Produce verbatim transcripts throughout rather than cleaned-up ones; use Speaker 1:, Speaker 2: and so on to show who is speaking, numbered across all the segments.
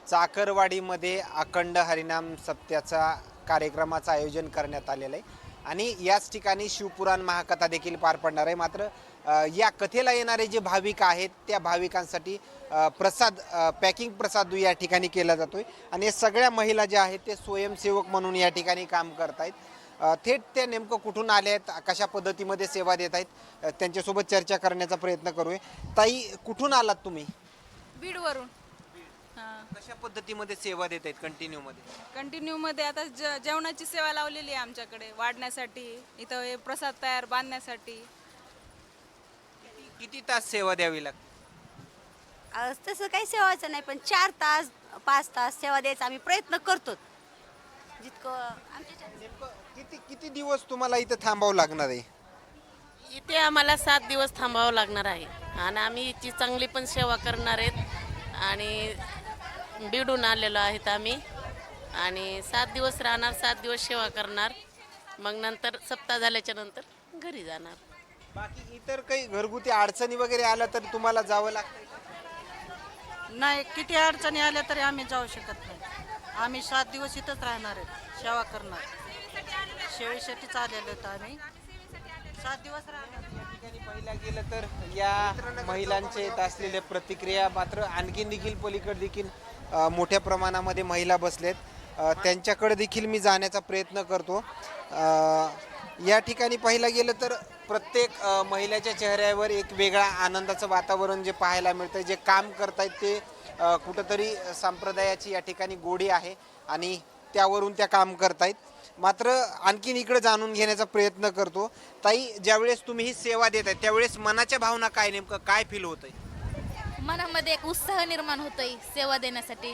Speaker 1: चाकरवाडीमध्ये अखंड हरिनाम सप्त्याचा कार्यक्रमाचं आयोजन करण्यात आलेलं आहे आणि याच ठिकाणी शिवपुराण महाकथा देखील पार पडणार आहे. मात्र अ, या कथेला येणारे जे भाविक आहेत त्या भाविकांसाठी अ, प्रसाद अ, पॅकिंग प्रसाद या ठिकाणी केला जातोय आणि या सगळ्या महिला ज्या आहेत ते स्वयंसेवक म्हणून या ठिकाणी काम करतायत. अ, थेट ते नेमकं कुठून आले आहेत, कशा पद्धतीमध्ये सेवा देत आहेत, अ, त्यांच्यासोबत चर्चा करण्याचा प्रयत्न करूया. ताई, कुठून आलात तुम्ही?
Speaker 2: बीडवरून. हां.
Speaker 1: कशा पद्धतीमध्ये सेवा देत आहेत कंटिन्यूमध्ये?
Speaker 2: कंटिन्यूमध्ये आता ज जेवणाची सेवा लावलेली आहे आमच्याकडे वाढण्यासाठी, इथं हे प्रसाद तयार बांधण्यासाठी.
Speaker 1: किती किती तास सेवा द्यावी लागते?
Speaker 3: अ, तसं काही सेवाचं नाही, पण चार तास पाच तास सेवा द्यायचा आम्ही प्रयत्न करतो जितकं आमच्या.
Speaker 1: नेमकं किती किती दिवस तुम्हाला इथं थांबावं लागणार आहे?
Speaker 4: इथे आम्हाला सात दिवस थांबावं लागणार आहे आणि आम्ही हिची चांगली पण सेवा करणार आहेत आणि बिडून आलेलो आहेत आम्ही आणि सात दिवस राहणार, सात दिवस सेवा करणार, मग नंतर सप्ताह झाल्याच्या नंतर घरी जाणार.
Speaker 1: बाकी इतर काही घरगुती अडचणी वगैरे आल्या तर तुम्हाला जावं लागतं?
Speaker 5: नाही, किती अडचणी आल्या तरी आम्ही जाऊ शकत नाही. आम्ही सात दिवस इथंच राहणार आहेत, सेवा करणार. शेळीसाठीच आलेलो होतो आम्ही, सात दिवस राहणार.
Speaker 1: या ठिकाणी पाहिलं गेलं तर या महिलांच्या येत असलेल्या प्रतिक्रिया मात्र आणखीन देखील पलीकडे देखील अ, मोठ्या प्रमाणामध्ये महिला बसलेत. अ, त्यांच्याकडे देखील मी जाण्याचा प्रयत्न करतो. अ, या ठिकाणी पाहिलं गेलं तर प्रत्येक अ, महिलेच्या चेहऱ्यावर एक वेगळा आनंदाचं वातावरण जे पाहायला मिळतं. जे काम करतायत ते अ, कुठंतरी संप्रदायाची या ठिकाणी गोडी आहे आणि त्यावरून त्या काम करतायत. मात्र आणखीन इकडे जाणून घेण्याचा प्रयत्न करतो. ताई, ज्यावेळेस तुम्ही ही सेवा देत आहे त्यावेळेस मनाच्या भावना काय, नेमकं काय फील होतंय?
Speaker 6: मनामध्ये एक उत्साह निर्माण होतोय सेवा देण्यासाठी.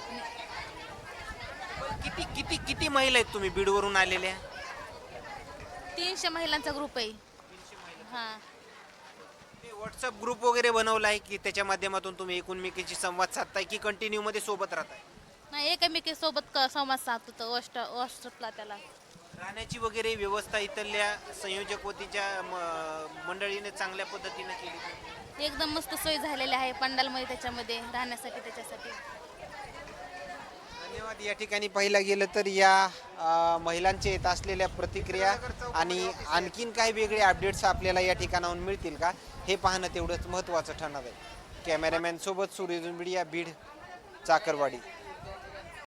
Speaker 1: किती किती किती महिला आहेत तुम्ही बीडवरून आलेल्या?
Speaker 6: तीनशे महिलांचा ग्रुप आहे. हां.
Speaker 1: व्हॉट्सअप ग्रुप वगैरे बनवला आहे की त्याच्या माध्यमातून तुम्ही एकूणमेकीची संवाद साधताय की कंटिन्यू मध्ये सोबत राहताय?
Speaker 6: नाही, एकमेकीसोबत क- संवाद साधतो व्हॉट्सअप व्हॉट्सअपला त्याला.
Speaker 1: राहण्याची वगैरे व्यवस्था इथल्या संयोजक वतीच्या म- मंडळीने चांगल्या पद्धतीने केली?
Speaker 6: एकदम मस्त सोय झालेली आहे पंडालमध्ये, त्याच्यामध्ये राहण्यासाठी त्याच्यासाठी.
Speaker 1: धन्यवाद. या ठिकाणी पाहिलं गेलं तर या अ, महिलांचे येत असलेल्या प्रतिक्रिया आणि आणखीन काही वेगळे अपडेट्स आपल्याला या ठिकाणाहून मिळतील का हे पाहणं तेवढंच महत्त्वाचं ठरणार आहे. कॅमेरामॅन सोबत सूर्य मीडिया, बीड, चाकरवाडी.